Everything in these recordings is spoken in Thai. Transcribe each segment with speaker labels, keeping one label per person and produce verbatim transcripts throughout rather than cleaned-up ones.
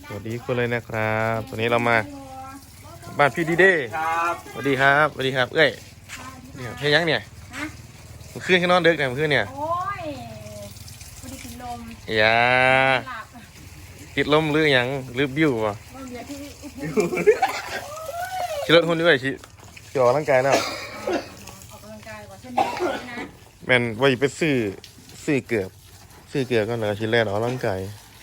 Speaker 1: สวัสดีคุณเลยนะครับวันนี้เรามาบ้านพี่ดีเด้ครับสวัสดีครับสวัสดีครับเอ้ยเนี่ยเฮียยังเนี่ยมันขึ้นข้างนอกเด็กเนี่ยมันขึ้นเนี่ย
Speaker 2: โอ้ยพอดีกินลม
Speaker 1: อย่า
Speaker 2: หลับ
Speaker 1: ติดลมหรือยังหรือบิ้ววะ
Speaker 2: ลมเยอะที่
Speaker 1: ขี่รถหุ่นด้วยขี่ขี่ออกร่างกายแล้ว
Speaker 2: ออกกำลังกายกว่าเช่นนี้นะ
Speaker 1: แมนว่าจะไปซื้อซื้อเกือบซื้อเกือบก็เลยชิ้นแรกออกร่างกาย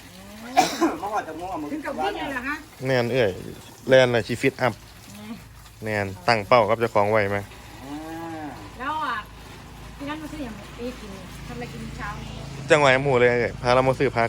Speaker 2: ถึงกับวิ่งเลยเหรอฮะ
Speaker 1: แนนเอ้ยแลนอะไรชีฟิตอัพแนนตั้งเป้ากับเจ้าของไว้ไหม
Speaker 2: แล้วอ่ะพี่นัทมาซื้ออย่างไปกินทำอะไรกินเช้านี้
Speaker 1: จังหวะหมู่เลยเอ้ยพาเรามาซื้อพัก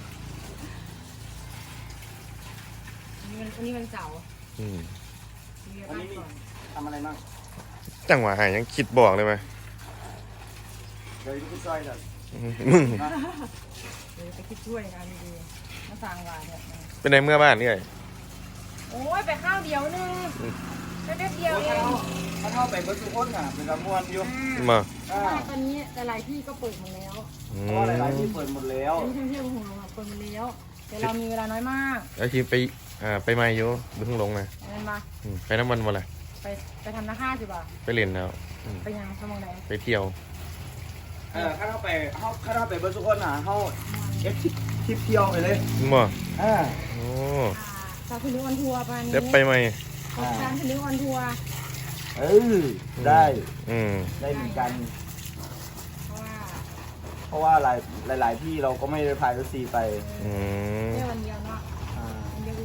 Speaker 2: วันนี้วันนี้วันเสาร์
Speaker 1: อืม
Speaker 2: มีอะไรก่อน
Speaker 3: ทำอะไรบ้าง
Speaker 1: จังหวะหายยังคิดบอกเลยไหม
Speaker 3: เดี๋ยวพี่ซอยเดี๋ยว
Speaker 1: มึง
Speaker 2: เดี๋ยวไปคิดช่วยงานดีๆมาสั่งวานเนี่ย
Speaker 1: เป็นในเมื่อบ้านนี่ไง
Speaker 2: โอ้ยไปข้าวเดียวนึงแป๊บเดียวเอง
Speaker 3: เขาเข้าไปเบิร์ดทุกคนอ่ะเป็นกระมวลอยู่
Speaker 1: มา
Speaker 3: อ่า
Speaker 2: ตอนนี้แต่หลายที่ก็เปิดหมดแล้ว
Speaker 1: อื
Speaker 3: เพราะว่าหลายๆที่เปิดหมดแล้ว
Speaker 2: ที่ท่องเที่ยวของเราเปิดหมดแล้วแต่เรามีเวลาน้อยมาก
Speaker 1: แล้วทีไปอ่าไปมาอยู่เพิ่งลงนะ
Speaker 2: อะไรมา
Speaker 1: อืมไปน้ำมันมาเลย
Speaker 2: ไปไปทำนาค่าสิบ่ะ
Speaker 1: ไปเล่นแล้วอืม
Speaker 2: ไปยังสมองไหน
Speaker 1: ไปเที่ยว
Speaker 3: เออถ้าเข้าไปเข้าถ้าเข้าไปเบิร์ดทุกคนอ่ะเข้าเอฟทริปเที่ยวไปเลย
Speaker 1: มา
Speaker 3: อ่า
Speaker 1: โอ้
Speaker 2: สาวคุณนึกออนทัวร์ประมาณนี้
Speaker 1: เดี๋ยวไปไหม
Speaker 2: สาวคุณนึกออนทัวร์
Speaker 3: เออได้
Speaker 1: อืม
Speaker 3: ได้เหมือนกัน
Speaker 2: เพราะว่า
Speaker 3: เพราะว่าหลายหลาย ๆ ที่เราก็ไม่ได้พายรถซีไป
Speaker 1: อืม
Speaker 2: แค่วันเดียวเนาะ
Speaker 3: อ่า
Speaker 2: วันเดียวเอง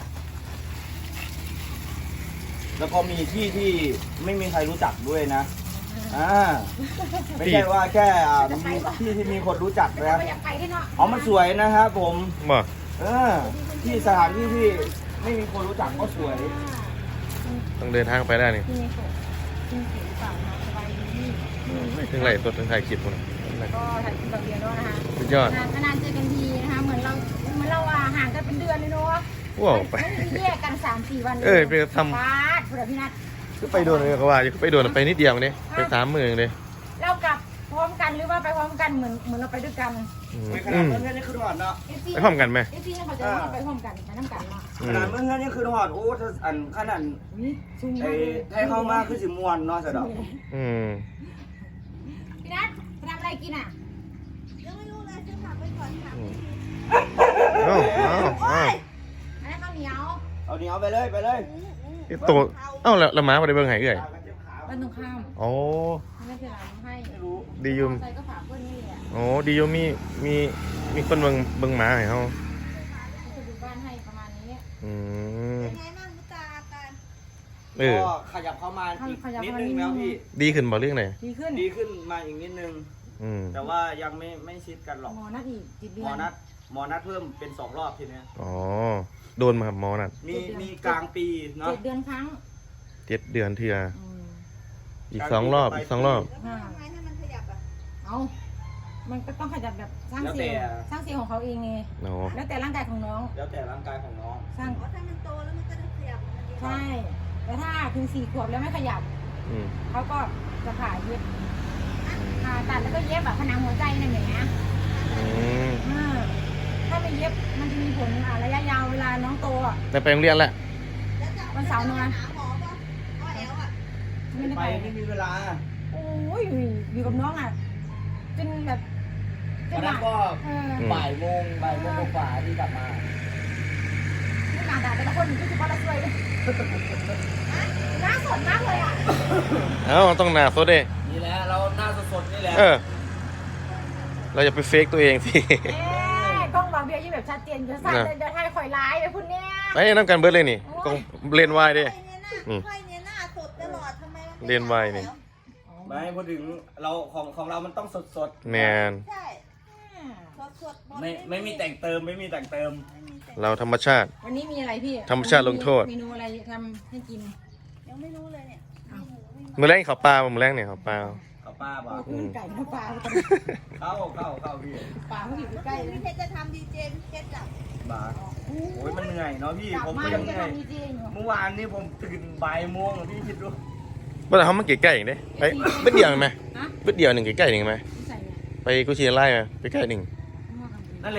Speaker 3: แล้วก็มีที่ที่ไม่มีใครรู้จักด้วยนะอ่าไม่ใช่ว่าแค่อ่ามีที่ที่มีคนรู้จัก
Speaker 2: ไม่
Speaker 3: นะ
Speaker 2: อยากไปด้วยเนาะ
Speaker 3: อ๋อมันสวยนะครับผม
Speaker 1: มา
Speaker 3: เออที่สถานที่ที่ไม่มีคนรู้จักก็สวย
Speaker 1: ต้องเดินทางไปได้นี่
Speaker 2: ที่ในโขดที่เสียงฝั่งเนาะสบายดี
Speaker 1: ถึงไหลตัวถึงถ่ายคลิปมัน
Speaker 2: ก็ถ่ายคลิปแบบเดียวด้วยนะคะ
Speaker 1: สุดยอด
Speaker 2: นานๆเจอกันทีนะคะเหมือนเราเหมือนเราอ่ะห่างกันเป็นเดือนเลยเนาะ
Speaker 1: ว้าวไป
Speaker 2: ไม่ได้แยกกันสามสี่วัน
Speaker 1: เอ้ยไปทำ
Speaker 2: ฟาดคุณพี่นัท
Speaker 1: ก็ไปโดนเลยเขาว่าอยู่ไปโดนไปนิดเดียวนี่ไปสามหมื่นเลย
Speaker 2: เรากลับพร้อมกันหรือว่าไปพร้อมกันเหมือนเหมือนเราไปด้วยกัน
Speaker 1: อืม
Speaker 3: ไม่ข
Speaker 1: อื
Speaker 3: นาด
Speaker 1: ม
Speaker 3: เมื่อเพื่อนนี่คือหอดเนาะ
Speaker 1: ไปพร้อมกันไหม
Speaker 2: เอฟซีเขาจะว่าไปพร้อมกันไปน้ำกันเนาะ
Speaker 1: อื
Speaker 3: ข
Speaker 1: ม
Speaker 3: นาดเมื่อเพื่อนนี่คือหอดโอ้ถ้าอันขนาด
Speaker 2: อุ้ยซุ่ม
Speaker 3: ไอ้
Speaker 2: มากเลย
Speaker 3: ให้เข้ามาคือสิมวนเนาะสะดอก
Speaker 1: อืม
Speaker 2: พี่นัทไปทำอะไรกินอ่ะ
Speaker 4: ยังไม่รู้เลยจะถามไปก่อนค่ะ
Speaker 1: เอ้าเอ้าเอ้า
Speaker 2: อันนั้นข้าวเหนียว
Speaker 3: เอาเหนียวไปเลยไปเลย
Speaker 1: ไอ้ตัวเอ้าแล้วแล้วหมาไปเบิ่งไหนเอ่ย
Speaker 2: บ้านตรงข้าม
Speaker 1: โอ้
Speaker 2: ไม่เป็นไรให้
Speaker 3: ไม่รู้
Speaker 1: ดีอยุม
Speaker 2: ใส่ก็ฝากเพื่อนนี่แหละ
Speaker 1: โอ้ดีอยุมมีมีมีคนเบิ่งเบิ่งหมาให้เฮา
Speaker 2: จะดูบ้านให้ประมาณนี้
Speaker 1: อืม
Speaker 4: เป็นไงบ้างมุตาอาการ
Speaker 1: เออ
Speaker 3: ก็ขยับเข้ามาอีกนิดนึงแล้วพี่
Speaker 1: ดีขึ้นบ่เรื่องไหน
Speaker 2: ดีขึ้น
Speaker 3: ดีขึ้นมาอีกนิดนึง
Speaker 1: อืม
Speaker 3: แต่ว่ายังไม่ไม่ชิดกันหรอก
Speaker 2: หมอนัดอีกจิตเดื
Speaker 3: ห
Speaker 2: อ
Speaker 3: มอน นัดหมอนัดเพิ่มเป็นสองรอบทีเนี้ย
Speaker 1: อ๋อโดนมาครับหมอนั่น
Speaker 3: มีมีกลางปีเนาะ
Speaker 2: เจ็ดเดือนครั้ง
Speaker 1: เจ็ดเดือนเทื่อ
Speaker 2: อืม
Speaker 1: อีกสองรอบอีกสองรอบ
Speaker 4: แล้วมันทำไงให้มันขยับอ่ะ
Speaker 2: เอามันก็ต้องขยับแบบสร้าง
Speaker 3: แล้ว
Speaker 2: เซล
Speaker 3: แต่
Speaker 2: ล์สร้างเซลล์ของเขาเองไง
Speaker 1: เนาะ
Speaker 2: แล้วแต่ร่างกายของน้อง
Speaker 3: แล้วแต่ร่างกายของน้อง
Speaker 2: สร้าง
Speaker 4: อ๋อถ้ามันโตแล้วมันก็จะขยับมันดี
Speaker 2: ใช่แต่ถ้าถึงสี่ขวบแล้วไม่ขยับ
Speaker 1: อืม
Speaker 2: เขาก็จะผ่าเย็บผ่าตัดแล้วก็เย็บแบบผนังหัวใจนั่นแหละ
Speaker 1: อืม
Speaker 2: อ่าถ้าไม่เย็บมันจะมีผลอ่าระยะยาวเวลาน้องโตอ่ะ
Speaker 1: ได้ไปโรงเรียนแล้ว
Speaker 4: แล้วจะ
Speaker 2: วันเสาร์นอน
Speaker 4: หาหมอป่ะอ้อแอลอ่ะ
Speaker 2: ไม่ได้
Speaker 3: ไป
Speaker 2: ไป
Speaker 3: ไม่มีเวลา
Speaker 2: โอ้ยอยู่กับน้องอ่ะจนแบบจ
Speaker 3: วัน น
Speaker 2: แบ
Speaker 3: นั้น
Speaker 2: บ
Speaker 3: ก็
Speaker 2: เออ
Speaker 3: บ่ายโมงบ่ายโมงกว่าๆที่กลับมา
Speaker 2: ไม่ต่างแต่ละคนก็คือว่าเราช่วยเลยน่าสนมากเลยอ่ะ
Speaker 1: เอ้าต้องหนาโซดเด้
Speaker 3: นี่แหละเราหน้าสดๆนี่แหละ
Speaker 1: เออ เราอย่าไปเฟกตัวเองสิ
Speaker 2: เอ๊ะกล้องวางเบียร์ยี่แบบชัดเจนจะสั่นเลยจะให้ข่อยร้ายไปคุณเนี่ย
Speaker 1: ไปน้ำกันเบิร์ดเลยนี่กองเลนวายเด้
Speaker 4: ไฟเนี่ยหน้าไฟเนี่ยหน้าสดตลอดทำไมมันไม่
Speaker 1: เรียนไวนี่
Speaker 3: ไม่พูดถึงเราของของเรามันต้องสดๆ
Speaker 1: แมน
Speaker 4: ใช่สดสดๆหด
Speaker 3: ไม่ไม่มีแต่งเติมไม่มีแต่งเติม
Speaker 4: ไม่มีแต่ง
Speaker 1: เราธรรมชาติ
Speaker 2: วันนี้มีอะไรพี่
Speaker 1: ธรรมชาติลงโทษ
Speaker 2: เมนูอะไรทำให้กิน
Speaker 4: ยังไม่รู้เลยเนี่ยมีหมูไม่มี
Speaker 1: มือแรงเขาปลามือแรงเนี่ยเขาปลา
Speaker 3: เอาป้าบอก
Speaker 2: ขึ้นไก่น้ำปลา
Speaker 3: เข้าเข้าเข้าพี่
Speaker 2: ปลาเขาอยู่
Speaker 4: เมื่อ
Speaker 2: ใกล้
Speaker 4: คืน
Speaker 2: เลย
Speaker 4: พี่เพชรจะทำดีเจพี่เพชรจับบ
Speaker 3: าโอ้ยมันเหนื่อยเนาะพี่
Speaker 2: กลับ
Speaker 3: ผม
Speaker 2: มา
Speaker 3: ก็ยังเห
Speaker 2: จะ
Speaker 3: นื่อย
Speaker 2: ทำดีเจอยู่
Speaker 3: เมื่อวานนี้ผมตื่นบ่ายโมงอะพี่คิดดู
Speaker 1: ว่าแต่เขามาเก๋ใกล้อย่างเด้ไปเบิดเดียวไหม
Speaker 2: ฮะ
Speaker 1: เบิดเดียวหนึ่งเก๋ใกล้หนึ่งไหม
Speaker 2: ใส่เนี่ย
Speaker 1: ไปกุชิไล่ไหมไปใกล้หนึ่ง
Speaker 3: นั่นแหละ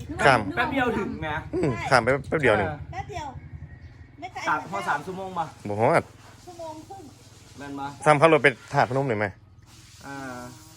Speaker 1: ข้าม
Speaker 3: แป๊บเดียวถึงไหม
Speaker 1: อืมข้ามไปแป๊บเดียวหนึ่ง
Speaker 4: แป๊บเดียวไม่ไกล
Speaker 3: สามพอสามชั่วโมงมา
Speaker 1: บอกว่า
Speaker 4: ชั่วโมงครึ่ง
Speaker 3: แม่นมา
Speaker 1: ซ้ำขับรถไปถาดพนมหน่อยไหม
Speaker 3: อ่าก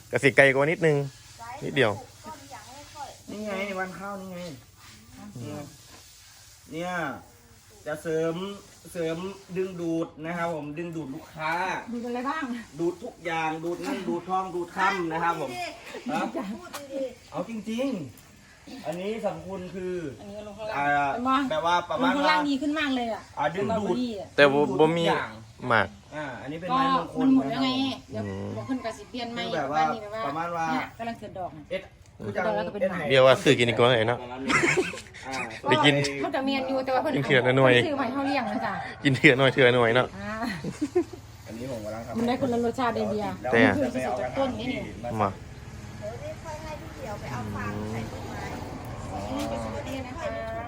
Speaker 1: ระสิไกลกว่านิดนึง
Speaker 4: ไกล
Speaker 1: นิดเดียว
Speaker 4: ก็มีอย่างไม่ค่อย
Speaker 3: นี่ไงวันข้าวนี่ไงเนี่ยเนี่ยจะเสริมเสริมดึงดูดนะครับผมดึงดูดลูกค้า
Speaker 2: ดูอะไรบ้าง
Speaker 3: ดูดทุกอย่างดูดเงินดูดทองดูดค่ำนะครับผม
Speaker 4: พูด
Speaker 3: นะ
Speaker 4: ดีๆพูดดี
Speaker 3: เอาจริงๆ อันนี้สำคัญคือ
Speaker 2: อันนี้ก็ลงข้างล่า
Speaker 3: อ่าง
Speaker 2: เป็นบ้าง
Speaker 3: แบบว่าประ
Speaker 2: ล
Speaker 3: มาง ณ
Speaker 2: ข้าง
Speaker 3: ว่า
Speaker 2: ล่างดีขึ้นมากเลยอ่ะ
Speaker 3: อ่าดึงดูด
Speaker 1: แต่บ่บ่มี
Speaker 3: ทุกอย่าง
Speaker 1: หมาก
Speaker 3: อ่าอันนี้เป็น
Speaker 2: ก็
Speaker 3: ไม้มงคล
Speaker 2: มันหมด
Speaker 3: นะ
Speaker 2: แล้ว
Speaker 3: ค
Speaker 2: ไง
Speaker 3: รับ
Speaker 2: เดี๋ยวบอกขึ้นกับสิเปลี่ยนใหม่
Speaker 3: คือแบบว่า
Speaker 2: นี่แบบว่า
Speaker 3: ประมาณว่า
Speaker 2: เนี่ยกำลังเกิดดอกน่ะ
Speaker 3: เอ็ดคือจัง
Speaker 2: แล้วก็เป็น
Speaker 3: เอ็ด
Speaker 2: หมา
Speaker 3: ไห่
Speaker 1: เรียกว่าซื้อกินอีกก่อนเลยเนาะ
Speaker 3: อ่า
Speaker 1: ได้กิน
Speaker 2: เขาจะเมียนอยู่แต่ว่าเพิ่น
Speaker 1: กินเถื่อนหน่อย
Speaker 2: ซื้อใหม่เท่าเลี้ยงนะจ๊ะ
Speaker 1: กินเถื่อหน่อยเถื่อหน่อยเนาะ
Speaker 2: อ่า
Speaker 3: อันนี้ผมกำลังทำ
Speaker 2: มันได้คนละรสชาติได้เบียร์
Speaker 1: แต่
Speaker 2: คือที่สุดจากต้นนี่นี่
Speaker 1: มา
Speaker 4: ๆเดี๋ยวนี้ค่อยให้พี่เดียวไปเอาฟางใส่ต้นไม้
Speaker 2: นี่เป็นสุดดีนะคะ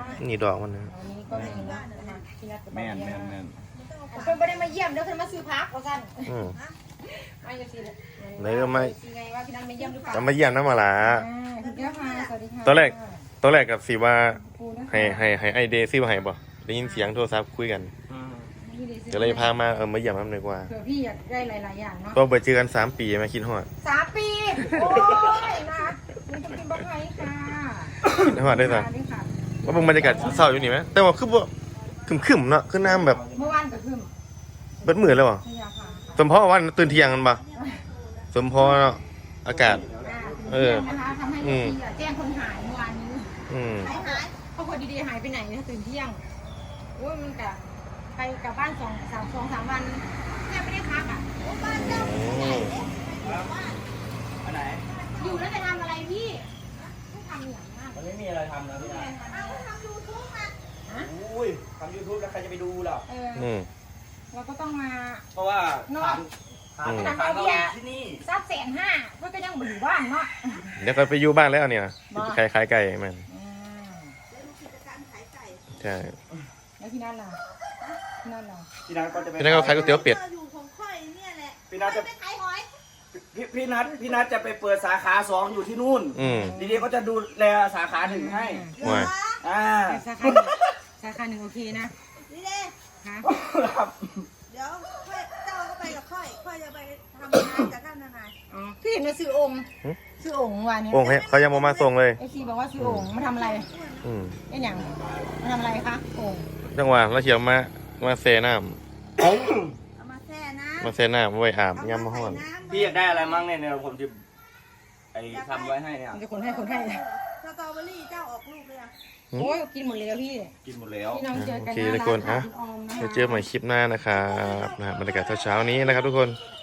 Speaker 1: นี่ดอกมันนะ
Speaker 2: อันนี้ก็มีนะนะคะพี่นัทกับ
Speaker 3: แม่น
Speaker 2: เบีย
Speaker 3: แม่น
Speaker 2: ร์
Speaker 3: แม่น
Speaker 2: เพิ่นไม่ได้มาเยี่ยมเดี๋ยวเพิ่นมาซื้อพักว่าซั่น
Speaker 1: อืม
Speaker 2: มาอยู่สิเลย
Speaker 1: ไหนก็ไม่
Speaker 2: สิไงว่าพี่นัทมาเยี่ยมหรือเปล่า
Speaker 1: จะมาเยี่ยมน้ำมาละ
Speaker 2: อ่าคุณแก้วค่ะสวัสดีค่ะ
Speaker 1: ตอนแรก ตอนแรกกับสีว่า
Speaker 2: ครูนะคะ
Speaker 1: ให้ให้ให้ไอเดซิวให้บ่ได้ยินเสียงโทรศัพท์คุยกัน
Speaker 3: อืม
Speaker 2: นี่ดิ
Speaker 1: ก็เลยพามาเออมาเยี่ยมน้ำหน่อยกว่า
Speaker 2: เผื่อพี่อยากได้หลายๆอย่างเนาะ
Speaker 1: ก็ไปเจอกันสามปีมาคิดฮอด
Speaker 2: สามปี โอ้ยนะมันจะกินบะไผ่ค่ะ
Speaker 1: คิดฮอดได้สัก
Speaker 2: ด้วยค่ะ
Speaker 1: ว่าเบิ่งบรรยากาศเศร้าอยู่นี่ไหมแต่ว่าคือบ่คึมๆเนาะคือน้ำแบบ
Speaker 2: เมื่อวานก็ขึ้น
Speaker 1: เบิดมือแล้วบ่
Speaker 2: พยาค่ะ
Speaker 1: สมพอวันตื่นเที่ยงกันบ่สมพอเนาะอากาศ
Speaker 2: อ่า
Speaker 1: เออ
Speaker 2: นะคะทำให้
Speaker 1: อืม
Speaker 2: พี่อะแจ้งคนหายเมื่อวานนี้
Speaker 1: อืม
Speaker 2: หายหายครอบครัวดีๆหายไปไหนนะตื่นเที่ยงโอ้ยมันกะไปกลับบ้านสองสามสองสามวันแทบไม่ได้พักอ่ะ
Speaker 4: บ้านเจ้าเป็นใหญ่เล็ก
Speaker 3: อันไหน
Speaker 2: อยู่แล้วจะทำอะไรพี่ไม่ทำอย่างนั้น
Speaker 3: มันไม่มีอะไรทำนะพี่นะ
Speaker 4: เอาทำยูทูบมา
Speaker 3: อุ้ยทำยูทูบแล้วใครจะไปดูหรอ
Speaker 2: เออ
Speaker 1: อืม
Speaker 2: เราก็ต้องมา
Speaker 3: เพราะว่า
Speaker 2: เนอะ
Speaker 3: ฐานฐานฐานเราอยู่ที่นี่
Speaker 2: ซับแสนห้าเพื่อก็ยังอยู่บ้านเนาะ
Speaker 1: เดี๋ยวก็ไปอยู่บ้านแล้วเนี่ย
Speaker 2: บ่
Speaker 1: ขายขายไก่มัน
Speaker 2: อ่า
Speaker 4: แล้วดูกิจการขายไก่
Speaker 1: ใช่
Speaker 2: แล้วพี่นัทล่ะพี่นัทล่ะ
Speaker 3: พี่นัทก็จะไป
Speaker 1: พี่นัทก็ขายก๋วยเตี๋ยวเป็ด
Speaker 4: อยู่ของค่อยเนี่ยแหละ
Speaker 3: พี่นัทจะ
Speaker 4: ไปขายหอย
Speaker 3: พี่พี่นัทพี่นัทจะไปเปิดสาขาสองอยู่ที่นู่น
Speaker 1: อืม
Speaker 3: ดีๆก็จะดูแลสาขาหนึ่งให้
Speaker 1: ว่า
Speaker 3: อ่า
Speaker 2: แต่สาขาหนึ่งสาขาหนึ่งโอเคนะ
Speaker 4: นี่เด้
Speaker 2: คะ
Speaker 3: ครับ
Speaker 4: เดี๋ยวค่อยเจ้าก็ไปกับค่อย ค่อยจะไปทำงานกับท่านทนาย
Speaker 2: อ๋อพี่เห็นว่าซื้อองค์ซื้อองค์วันนี้
Speaker 1: โอ้ยเขายังบ่มาส่งเลย
Speaker 2: ไอซีบอกว่าซื้อองค์มาทำอะไร
Speaker 1: อืม
Speaker 2: ไอ้หยังมาทำอะไรคะองค์
Speaker 1: จังหวะเราเขียวมามาเซน้
Speaker 4: เอามาแช่น้
Speaker 1: ำมาเซน้ำไว้อาบ
Speaker 4: ำ
Speaker 1: ยามมาฮ้อน
Speaker 4: เาใส่ำ
Speaker 3: พี่อยากได้อะไรมั่งเนี่ยเนี่ยผมจะไอ้ทำไว้ให้เนี่ย
Speaker 2: มันจะคนให้คนให้
Speaker 4: สตรอเบอรี่เจ้าออกลูกเลยอะ
Speaker 2: โอ้ยกินหมดเลยอะพี่
Speaker 3: กินหมดแล้ว
Speaker 2: พี่น้องเจอกัน
Speaker 1: โอเค
Speaker 2: หา
Speaker 1: ทุกคน
Speaker 2: ร้า
Speaker 1: อ่ะ
Speaker 2: ขายคุณออมนะคะ
Speaker 1: เดี๋ยวเจอใหม่คลิปหน้านะครับนะฮะบรรยากาศเช้าๆนี้นะครับทุกคน
Speaker 2: ค